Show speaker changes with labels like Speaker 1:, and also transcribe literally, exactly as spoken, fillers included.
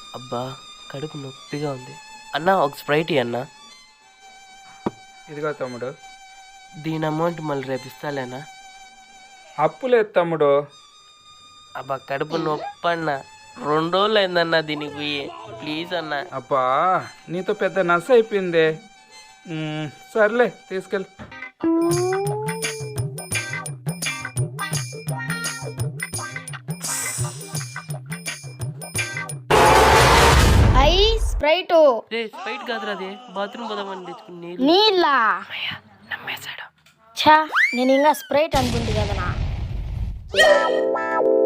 Speaker 1: అబ్బా కడుపు నొప్పిగా ఉంది అన్న. ఒక స్ప్రైట్ ఇయ్యి అన్న.
Speaker 2: ఇదిగో తమ్ముడు.
Speaker 1: దీని అమౌంట్ మళ్ళీ రేపు ఇస్తాలేనా?
Speaker 2: అప్పు లేదు తమ్ముడు.
Speaker 1: అబ్బా కడుపు నొప్పి అన్న. రెండు రోజులు అయిందన్న దీనికి పోయి. ప్లీజ్ అన్న.
Speaker 2: అబ్బా నీతో పెద్ద నస అయిపోయిందే. మ్మ్, సర్లే తీసుకెళ్ళి.
Speaker 3: ఐ స్ప్రైట్
Speaker 1: రే స్ప్రైట్ కాదురా, అదే బాత్రూమ్ పోదామని తెచ్చుకుని నీళ్ళు.
Speaker 3: నీళ్ళ
Speaker 1: అమ్మయ్య, నమ్మేశాడు.
Speaker 3: ఛా నేను ఇంకా స్ప్రైట్ అనుకుంటు కదనా.